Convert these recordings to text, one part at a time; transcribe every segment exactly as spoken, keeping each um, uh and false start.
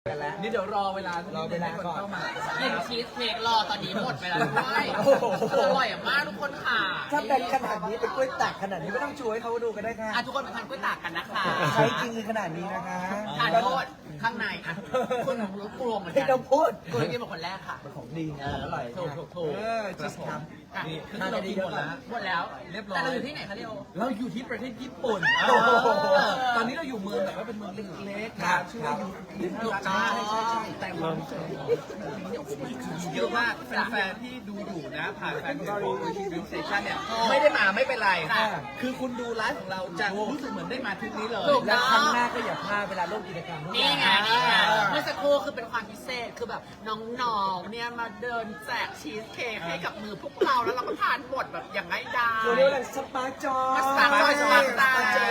กันแล้วนี่เดี๋ยวรอเวลารอเวลาก่อนเข้ามาเล่นชีสเค้กรอตอนนี้หมดไปแล้วด้วยอร่อยมากทุกคนค่ะถ้าเป็นขนาดนี้เป็นกล้วยตากขนาดนี้ไม่ต้องชูให้เขาดูกันได้ค่ะอ่ะทุกคนมาทานกล้วยตากกันนะคะใช้จริงขนาดนี้นะคะทานโทษข้างในอ่ะคุณของรู้กลัวเหมือนไม่กันต้องพูดคุณกินเป็นคนแรกค่ะเป็นของดีนะอร่อยถูกถูกถูกเออชีสครับอ่ะนี่คือทานเราได้กินเยหมอะดแล้วแล้วหมดแล้วเรียบร้อยแต่เราอยู่ที่ไหนคะเดียวเราอยู่ที่ประเทศญี่ปุ่นโอ้โหตอนนี้เราอยู่เมืองแบบว่าเป็นเมืองเล็กๆครับชื่อว่ายูถูกต้องใช่ใช่ใช่แต่ความพิเศษของเนี่ยโอ้โหเยอะมากแฟนๆที่ดูอยู่นะผ่านแฟนเพจของโอชิวิวสเตชันเนี่ยไม่ได้มาไม่เป็นไรค่ะคือคุณดูไลฟ์ของเราจะรู้สึกเหมือนได้มาทริปนี้เลยถูกและครั้งหน้าก็อย่าพลาดเวลาร่วมกิจกรรมทุกอนี่ย่างไงนี่ไงเมื่อสักครู่คือเป็นความพิเศษคือแบบน้องๆเนี่ยมาเดินแจกชีสเค้กให้กับมือพวกเราแล้วเราก็ทานหมดแบบอย่างง่ายดายเราเรียกว่าอะไรสปาร์คจอยสปาร์คจอยสปาร์คจอย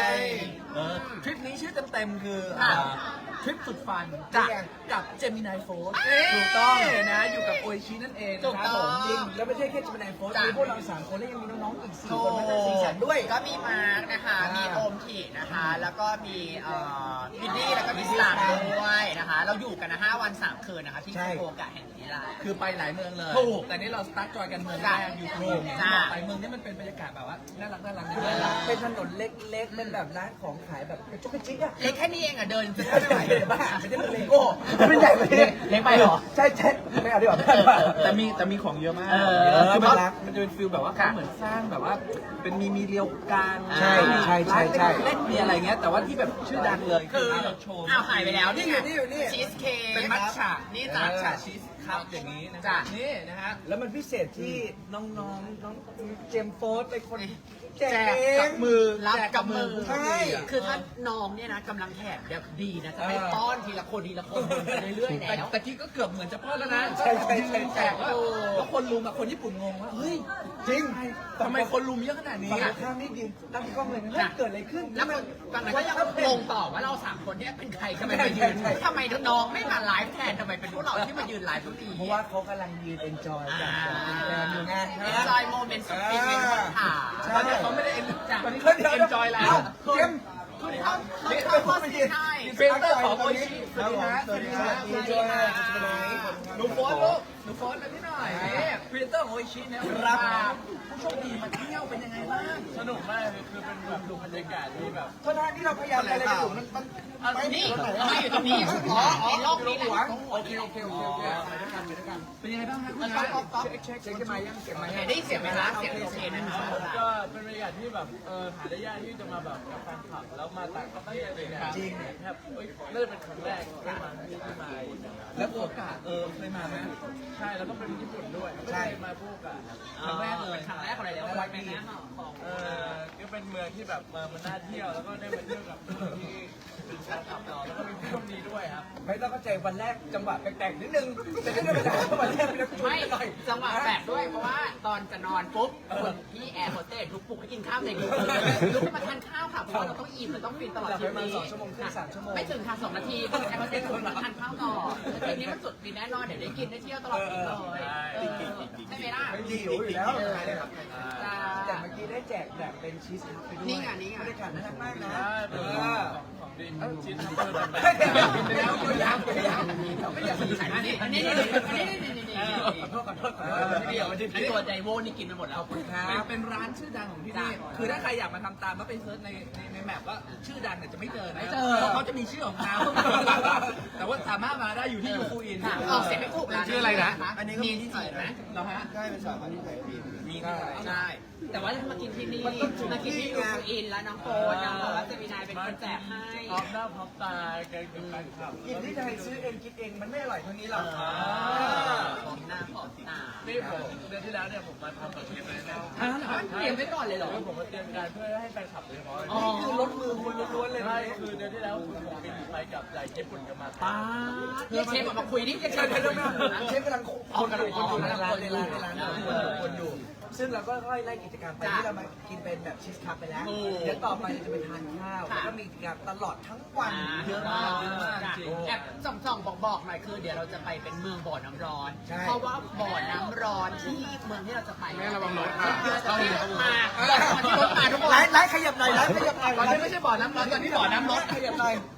เออทริปนี้ชื่อเต็มๆคือค่ะอ่าทริปสุดฟันจ้ะกับเจมินายโฟร์เอ้ยถูกต้องนะอยู่กับโอชินั่นเองถูกนะครับต้ผองมจริงแล้วไม่ใช่แค่จะเป็นไอโฟนจ้ะมีพวกเราสามคนแล้วยังมีน้องๆอีกสี่โอ้คนมาจากสีสันด้วยก็มีมาร์กนะคะอ่ามีมีโอมทีนะคะ แล้วก็มีเอ่อบินนี่แล้วก็มีสตาร์ด้วยนะคะ เราอยู่กันนะห้าวันสามคืนนะคะ ที่ใช่โคกะแห่งนี้ละคือไปหลายเมืองเลยถูกแต่นี่เราสตาร์ทจอยกันเมืองแรจ้ะกอยู่ที่นี่จ้ะบอกไปเมืองนี้มันเป็นบรรยากาศแบบว่าน่ารักน่ารักน่ารักเป็นถนนเล็กๆ เป็นแบบร้านของขายแบบกระจุกกระจิกอะเล็กแค่นี้เองอ่ะเดินไม่ไหวเลยบ้าไม่ได้เป็นเลโก้ไม่ใหญ่ไปเลยเล็กไปเหรอใช่ใช่ไม่เอาดีกว่าแต่มีแต่มีของเยอะมากเออคือน่ามันรักมันจะเป็นฟิลแบบว่าเขาเหมือนสร้างแบบว่า เป็นมีมีเรียวกลางใช่ใช่ใช่ใช่เล่นมีอะไรเงี้ยแต่ว่าที่แบบชื่อดังเลยคือที่เราโชว์อ้าวหายไปแล้วนี่ไงนี่อยู่นี่ชีสเค้กเป็นมัทฉะนี่จ้ะมัทฉะชีสครับอย่างนี้นะจ้ะนี่นะฮะแล้วมันพิเศษที่น้องๆน้องเจมส์โฟร์เป็นคนแจกแจกเอกังบมือรับแจกกับมือใช่คือถ้าน้องเนี่ยนะกำลังแถบแบบดีนะจะไม่ป้อนทีละคนทีละคนไปเรื่อยๆแต่แล้วตะกี้ก็เกือบเหมือนจะพลาดแล้วนะใช่ใช่ใช่แจกแล้วแล้วคนลุมอะคนญี่ปุ่นงงว่าเฮ้ยจริงทำไมคนลุมเยอะขนาดนี้ฝั่งข้างนี่ยืนตั้งกล้องเลยนะเฮ้ยเกิดอะไรขึ้นแล้วคนตอนนั้นก็ยังงงต่อว่าเราสามคนเนี่ยเป็นใครทำไมมายืนใช่ใช่ทำไมน้องไม่มาไลฟ์แทนทำไมเป็นพวกเราที่มายืนไลฟ์ทุกทีเพราะว่าเขากำลังยืนเอนจอยกับแฟนอยู่ไงเอนจอยโมเมนต์สุดฟินเป็นคนถ่ายใช่ตอนนี้เขาไม่ได้เอ็นจ้ะตอนนี้เขาเอ็นจอยแล้วเจมส์คุณเขาเขาเขาข้อสีให้เฟนเตอร์ของโอชิสวัสดีฮะสวัสดีครับสวัสดีค่ะหนูโฟนลูกหนูโฟนมาที่หน่อยนี่เฟนเตอร์ของโอชิเนี่ยรับผู้โชคดีมาเที่ยวเป็นยังไงบ้างสนุกมากเลยคือเป็นแบบดูบรรยากาศที่แบบโทษนะที่เราพยายามอะไรกันอยู่มันมันอันนี้เราอยู่ตรงนี้อ๋อในโลกนี้แหละโอเคโอเคโอเคโอเคไปด้วยกันไปด้วยกันเป็นยังไงบ้างฮะคุณมันชาก็ยก็เช็คเช็คเช็คกันมายังเก็บมายังได้เสียงไหมคะเสียงโอเคนะคะก็เป็นบรรยากาศที่แบบเออหาได้ยากที่จะมาแบบกับแฟนคลับแล้วมาต่างประเทศอะไรเงี้ยจริงแทบเอ้ยน่าจะเป็นครั้งแรกที่มาที่ที่มาอีกนะครับแล้วโอกาสเออเคยมาไหมใช่แล้วก็เป็นญี่ปุ่นด้วยไม่ใช่เคยมาพูกอะครั้งแรกเลยครั้งแรกของอะไรแล้ววันเป็นนะของเออก็เป็นเมืองที่แบบมามันน่าเที่ยวแล้วก็ได้มาเที่ยวกับคนที่เป็นแฟนคลับเราแล้วก็เป็นผู้โชคดีด้วยครับไม่ต้องเข้าใจวันแรกจังหวะแปลกๆนิดนึงแต่ก็ไม่เป็นไรวันแรกเป็นนักชวนไม่กันหน่อยจังหวะแปลกด้วยเพราะว่าตอนจะนอนปุ๊บคนที่แอร์โฮสเตสลุกปลุกให้กินข้าวเด็กลุกเลยลุกขึ้นมาทานข้าวค่ะเพราะว่าเราต้องอิ่มเราต้องฟินตลอดหลับชีไปวิตประมาณสองชั่วโมงครึ่งสามชั่วโมงไม่ถึงค่ะสองนาทีคนแอร์โฮสเตสลุกมาทานข้าวต่อทีนี้มันสุดฟินแน่นอนเดี๋ยวได้กินได้เที่ยวตลอดชีวิตเลยใช่ไหมล่ะไม่ดีอยู่แล้วเออแต่เมื่อกี้ได้แจกแบบเป็นชีสคัพไปด้วยนี่ไงนี่ไงบรรยากาศน่ารักมากนะใช่เป็นเอของอของดีมชิ้นทำเพื่อแบบไม่เดี๋ยวเดี๋ยวเดี๋ยวยังเดี๋ยวยังไม่อยากสงสัยอันนี้อันนี้อันนี้อันนี้อันนี้ขอโทษขอโทษขอเอโทอษที่เดียวมันจะไอตัวใจโว้นี่กินไปหมดแล้วเป็นเป็นร้านชื่อดังของที่นี่ คือถ้าใครอยากมาทำตามแล้วไปเซิร์ชในในในแมปว่าชื่อดังเนี่ยจะไม่เจอนะเพราะเขาจะมีชื่อของเขาแต่ว่าสามารถมาได้อยู่ที่ยูฟูอินออกเสียงไม่ถูกร้านชื่ออะไรนะอันนี้มีที่ไหนไหมเราฮะใช่เป็นสามอันที่ไหนดีมีที่ไหนใช่ แต่ว่าถ้ามากินที่นี่ มากินที่ยูฟูอินแล้วน้องโฟนน้องบอกว่าเซมินายเป็นคนแจกให้พร้อมหน้าพร้อมตากันกับแฟนคลับกินที่ไทยซื้อเองกินเองมันไม่อร่อยเท่านี้หรอกหอมหน้าหอมตานี่ผมเดือนที่แล้วเนี่ยผมมาทำแบบนี้เลยนะอ้าวเตรียมไว้ก่อนเลยเหรอคือผมมาเตรียมการเพื่อให้แฟนคลับโดยเฉพาะอ๋อนี่คือรถมือคุณล้วนๆเลยนะใช่คือเดือนที่แล้วคือผมบินไปกับจากญี่ปุ่นกับมาป้าเรียกเชฟออกมาคุยนี่เรียกเชฟมาคุยนะเชฟกำลังคนกำลังคนอยู่ในร้านในร้านในร้านคนอยู่คนอยู่ ซึ่งเราก็ค่อยไล่กิจกรรมไปที่เรามากินเป็นแบบชีสคัพไปแล้ว เดี๋ยวต่อไปจะไปทานข้าวแล้วก็มีกิจกรรมตลอดทั้งวันเยอะมากเยอะมากจริงแอบส่องๆบอกๆหน่อยคือเดี๋ยวเราจะไปเป็นเมืองบ่อน้ำร้อนใช่เพราะว่าบ่อน้ำร้อนที่เมืองที่เราจะไปแม่ระวังรถค่ะตอนนี้รถมาตอนที่รถมาทุกคนไล่ไล่ขยับหน่อยไล่ขยับหน่อยตอนนี้ไม่ใช่บ่อน้ำร้อนตอนนี้บ่อน้ำร้อนขยับหน่อย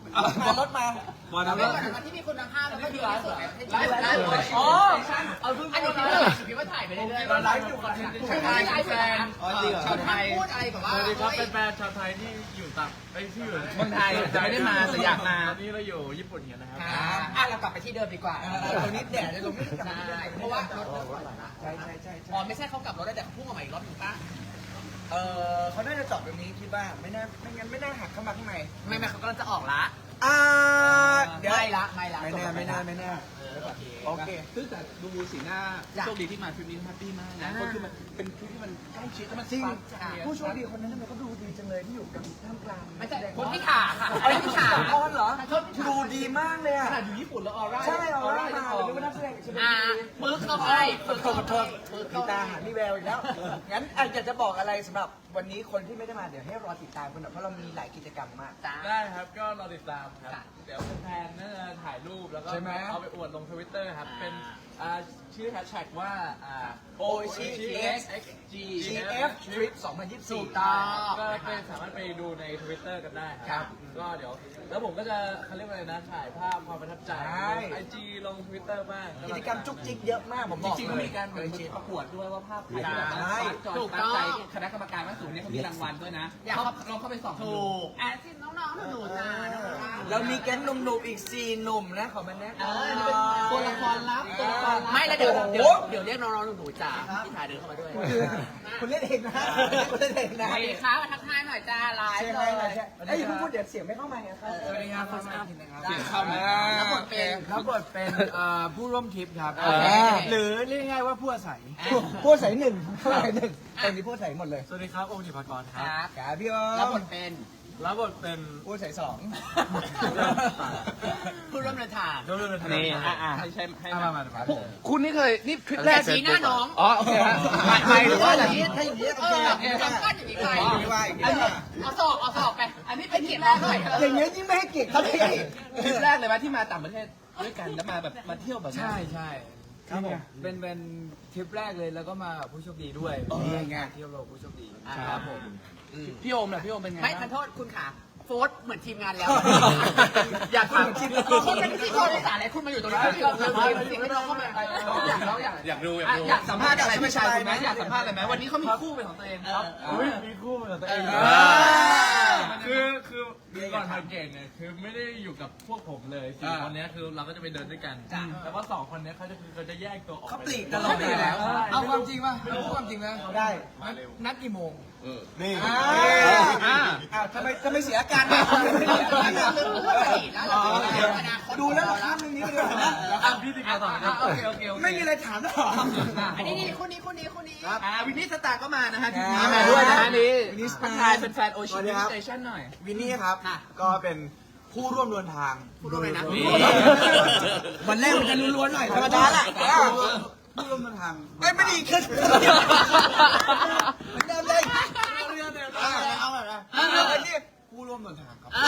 มารถมาวันนั้นแล้วก่อนที่มีคุณภาพแล้วก็ดีที่สุดในประเทศไทยไลฟ์ไลฟ์อ๋อเอาเพิ่งอันนี้พี่ว่าถ่ายไปเรื่อยๆเราไลฟ์อยู่คอนเทนต์ใช่ไลฟ์แฟนอ๋อจริงเหรอชาวไทยพูดอะไรกับว่าสวัสดีครับเป็นแฟนชาวไทยที่อยู่ต่างไอ้ที่อยู่เมืองไทยจะไม่ได้มาแต่อยากมาตอนนี้เราอยู่ญี่ปุ่นกันนะครับอ่ะเรากลับไปที่เดิมดีกว่าตรงนี้แดดเลยตรงนี้กลับมาที่เดิมเพราะว่ารถเริ่มถอยละใช่ใช่ใช่ใช่อ๋อไม่ใช่เขากลับรถได้แต่เขาพุ่งออกมาอีกรอบหนึงป่ะเออเขาน่าจะจอดแบบนี้คิดว่าไม่น่าไม่งั้นไม่น่าหักเข้ามาข้างในไม่ไม่เขากำลังจะออกละอ่าเดี๋ยวไม่ละไม่ละไม่แน่ไม่น่าไม่น่าเออโอเคโอเคซึ่งแต่ดูสีหน้าจ้ะโชคดีที่มาทริปนี้แฮปปี้มากนะอ่าเพราะคือมันเป็นทริปที่มันใกล้ชิดแล้วมันจริงฟังผู้โชคดีคนนั้นทำไมเขาดูดีจังเลยที่อยู่กับท่ามกลางไม่ใช่คนที่ขาค่ะไอ้ที่ขาออนเหรอโทษที่ขาดูดีมากเลยขอ่ะนาดอยู่ญี่ปุ่นแล้วออร่าใช่เอาออล่าร่ามาจะออกหรือว่านักแสดงชลบุอ่ารีปึ๊กเข้าไปขอโทษขอโทษมีตาหามีแววอีกแล้ว งั้นอ่ะอยากจะบอกอะไรสำหรับวันนี้คนที่ไม่ได้มาเดี๋ยวให้รอติดตามกันหน่อยเพราะเรามีหลายกิจกรรมมากจ้าได้ครับก็รอติดตามครับค่ะเดี๋ยวแฟนๆน่าจะถ่ายรูปแล้วก็ใช่ไหมเอาไปอวดลงทวิตเตอร์ครับอ่าเป็นอ่าชื่อแฮชแท็กว่าอ่าโอชิ G จี เอฟ Trip สองพันยี่สิบสี่ถูกต้องก็ไปสามารถไปดูในทวิตเตอร์กันได้คครัรับ ก็เดี๋ยว แล้วผมก็จะเขาเรียกว่าอะไรนะ ถ่ายภาพความประทับใจใช่ไอจีลงทวิตเตอร์บ้างกิจกรรมจุกจิกเยอะมากผมบอกจริงๆก็มีการเหมือนประกวดด้วยว่าภาพใครที่แบบใช่จอดถูกตามต้องใจคณะกรรมการว่าสูงเนี่ยเขามีรางวัลด้วยนะอยากเขาเข้าลองเข้าไปส่องดูถูกอ่ะที่น้องๆหนูๆจ้าน้องๆเรามีแก๊งหนุ่มๆอีกสี่หนุ่มนะขอมาแนะเอน อำนี่เป็นตัวละครลับตัวละครลับไม่แล้วเดี๋ยวเดี๋ยวเดี๋ยวเรียกน้องๆหนูๆจ้าพี่ถ่ายเดินเข้ามาด้วยคุณเล่นเองนะคุณเล่นเองนะสวัสดีครับมาทักทายหน่อยจ้าไลฟ์ใช่เลไหมยใช่ไอ้ยอย่าเพิ่งพูดเดี๋ยวเสียงไม่เข้ามาไงครับสวัสดีครับคุณอ้ำเสียงเข้ามารับบทเป็นรับบทเป็นเอ่อผู้ร่วมทริปครับโอเคหรือเรียกง่ายๆว่าผู้อาศัยพูดใส่หนึ่งพูดใส่หนึ่งตอนนี้พูดใส่หมดเลยสวัสดีครับโอมธิภากรคครับ รับกาพี่อ้อรับบมทเป็นรับบทเป็นพูดใส่สองผู้ร่วมเดินทางเรื่องเรื่องนี่อ่ะอ่ะให้ใช่ให้มามามาคุณนี่เคยนี่ทริปแรแต่กชี้หน้าน้องอ๋อโอเคฮะไปไปหรือว่าอะไรถ้าอย่างนี้โอเอเคอจำก้อนอย่างนี้ไปอย่างนี้ว่าอย่างนี้ว่าเอาสอบเอาสอบไป อันนี้เป็นเกียรติแรกหน่อยอย่างนี้ยิ่งไม่ให้เกียรติเขาเลยทริปแรกเลยไหมที่มาต่างประเทศด้วยกันแล้วมาแบบมาเที่ยวแบบนี้ใช่ใช่ครับผมเป็นเป็นทริปแรกเลยแล้วก็มากับผู้โชคดีด้วยเป็นงานเที่ยวโลกผู้โชคดีครับผมพี่โอมล่ะพี่โอมเป็นไงไม่ทันโทษคุณขาโฟร์เหมือนทีมงานแล้ว อยากถามคุณเป็นพิธีกรในสารอะไรคุณมาอยู่ตรงนี้คุณสัมภาษณ์เสียงให้น้องเข้ามาอยากเราอยากอยากดูอยากดูอยากสัมภาษณ์อะไรพี่ชายคุณไหมอยากสัมภาษณ์อะไรไหมวันนี้เขามีคู่เป็นของตัวเองครับอุ้ยมีคู่เป็นของตัวเองเอคือคือก่อนมาเก่งเนี่ยคือไม่ได้อยู่กับพวกผมเลยสี่คนเนี้ยคือเราก็จะไปเดินด้วยกัน แต่ว่าสองคนเนี้ยเขาจะคือเขาจะแยกตัวออกเขาปลีกตตลลออดดเลเลย ยแล้แล้ว วเอาความจริงป่ะเอาความจริงนะได้นัดกี่โมงนี่อ่าอ้าวทำไมทำไมเสียอาการนะดูแล้วเราข้ามเรื่องนี้ไปเลยนะอ่ะพี่ติกาต่อครับโอเคโอเคโอเคไม่มีอะไรถามหรออันนี้นี่คนนี้คนนี้คนนี้อ่าวินนี่สตาร์ก็มานะฮะทีนี้อ่ามาด้วยนะฮะนี่วินนี่สตาร์ทักทายเป็นแฟนโอชิมิสเตชันหน่อยวินนี่ครับ ก็เป็นผู้ร่วมเดินทางผู้ร่วมเลยนะนี่วันแรกมันจะล้วนๆหน่อยธรรมดาแหละผู้ร่วมเดินทางไม่ไม่ดีขึ้นเหมือนเดิมเลยเอาแบบนะเอาไปที่ผู้ร่วมเดินทางครับ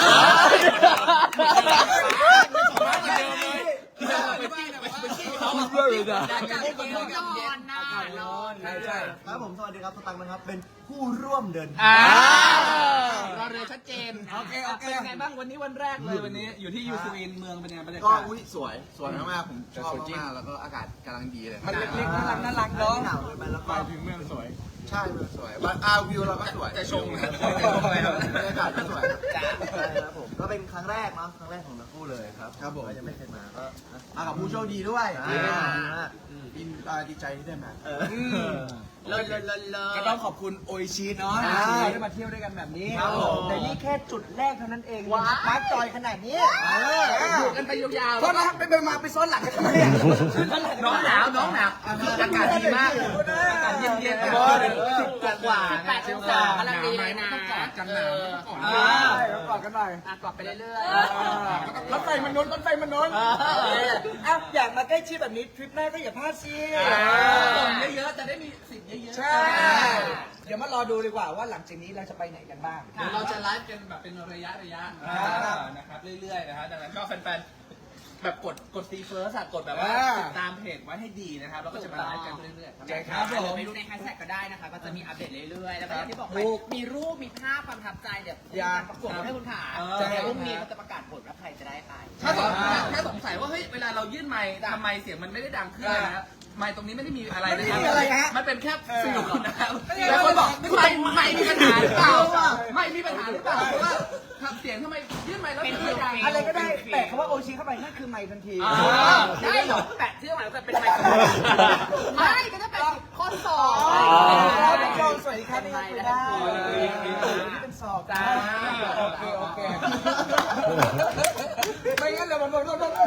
นอนนะนอนใช่ใช่ครับผมสวัสดีครับสตังค์นะครับ เป็นผู้ร่วมเดินทางอ่ารอเรือชัดเจนโอเคโอเคเป็นไงบ้างวันนี้วันแรกเลยวันนี้อยู่ที่ยูซูอินเมืองเป็นไงบรรยาก็กาศอุ้ยสวย สวยมากๆผมชอบมากๆแล้วก็อากาศกำลังดีเลยมันเล็กๆน่ารักน่ารักเนาะหนาวเลยไปแล้วก็ถึงเมืองสวยใช่เมืองสวยบัตอาวิวเราก็สวยจะชงนะบรรยากาศก็สวยจ้าใช่ครับผมก็เป็นครั้งแรกเนาะครั้งแรกของทั้งคู่เลยครับครับผมยังไม่เคยมาก็มากับผู้โชคดีด้วยดีมากดีมากดีใจที่ได้มาเลนเลนเลนเลก็ต้องขอบคุณโออิชิเนาะใช่ที่เราได้มาเที่ยวด้วยกันแบบนี้ครับผมแต่นี่แค่จุดแรกเท่านั้นเองว้าวมาร์คจอยขนาดนี้เอออยู่กันไปยาวเพราะนะไปไปมาไปซ้อนหลังกันทำไมอะๆน้องหนาวน้องหนาวอากาศดีมากอากาศเย็นๆสิบกว่าสิบแปดองศากำลังดีเลยนะกอดกันหนาวใช่แล้วกอดกันหน่อยอ่ะกอดไปเรื่อยรถไฟมันนุนรถไฟมันนุนอ่ะอยากมาใกล้ชิดแบบนี้ทริปหน้าก็อย่าพลาดสิส่งเยอะๆจะได้มีสิ่งเยอะๆใช่ เดี๋ยวมารอดูดีกว่าว่าหลังจากนี้เราจะไปไหนกันบ้างเดี๋ยวเราจะไลฟ์กันแบบเป็นระยะระยะนะครับเรื่อยๆนะฮะดังนั้นก็แฟนๆแบบกดกดซีเฟิร์สกดแบบว่าอ่าติดตามเพจไว้ให้ดีนะครับแล้วก็จะมาไลฟ์กันเรื่อยๆใช่ครับผมไปดูในแฮชแท็กก็ได้นะคะ ก็จะมีอัปเดตเรื่อยๆ แล้วก็อย่างที่บอกไปถูกมีรูป มีภาพความประทับใจเดี๋ยวอยากประกวดให้คุณขาเออเดี๋ยวพรุ่งนี้เขาจะประกาศผลว่าใครจะได้ไปถ้าสงสัยถ้าสงสัยว่าเฮ้ยเวลาเรายื่นไมค์ทำไมเสียงมันไม่ได้ดังขึ้นเลยนะไมค์ตรงนี้ไม่ได้มีอะไรนะครัไม่ได้มีอะไรฮะมันเป็นแค่ฟิลนะครับไม่ได้แล้วคนบอกไม่ไมได้ค์ไมค์มีปัญหาหรือเปล่าไม่มีปัญหาหรือเปล่าเพราะว่าเสียงทำไมยื่นไมค์แล้วเสียงไม่ดังอะไรก็ได้แปะคำว่าโอชิเข้าไปนั่นคือไมค์ทันทีอ่าได้เหรอแปะชื่อหมายว่าเป็นไมค์ไม่ก็จะเป็นข้อสอบอ๋อผู้ชมสวัสดีครับนี่คุยได้นี่เป็นสอบจ้าโอเคโอเคไม่งั้นเรามันมันมันมัน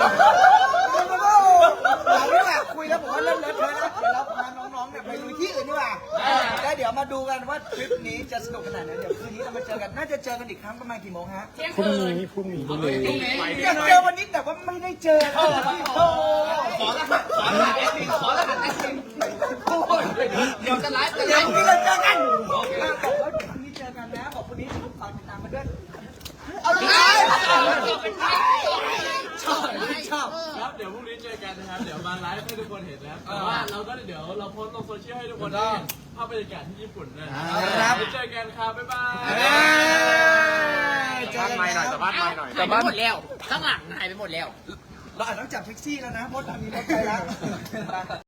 เราเนี่ยแหละคุยแล้วผมว่าเริ่มเลอะเทอะแล้วเดี๋ยวเราพาน้องๆเนี่ยไปดูที่อื่นดีกว่าแล้วเดี๋ยวมาดูกันว่าทริปนี้จะสนุกขนาดไหนเดี๋ยวคืนนี้เรามาเจอกันน่าจะเจอกันอีกครั้งประมาณกี่โมงฮะเที่ยงพรุ่งคืนนี้พรุ่งนี้พรุ่งนี้อยากเจอวันนี้แต่ว่าไม่ได้เจอโอ้โหขอรหัสขอรหัสเอฟซีขอรหัสเอฟซีเดี๋ยวจะไลฟ์จะเดี๋ไลยวฟ์พรุ่งนี้เราเจอกันบอกว่าพรุ่งนี้เจอกันนะบอกพรุ่งนี้ฝากติดตามมาด้วยเอาเลยชอบชอบครับเดี๋ยวพรุ่งนี้เจอกันนะครับ เดี๋ยวมาไลฟ์ให้ทุกคนเห็นนะครับแต่ว่าเราก็เดี๋ยวเราโพสต์ลงโซเชียลให้ทุกคนได้เห็นภาพบรรยากาศที่ญี่ปุ่นนะไว้เจอกันครับบ๊ายบายเจอกันไม่หน่อยแต่บ้านหายไปหมดแล้ว ข้างหลังหายไปหมดแล้วเราอาจต้องจับแท็กซี่แล้วนะเพราะตอนนี้รถไปแล้ว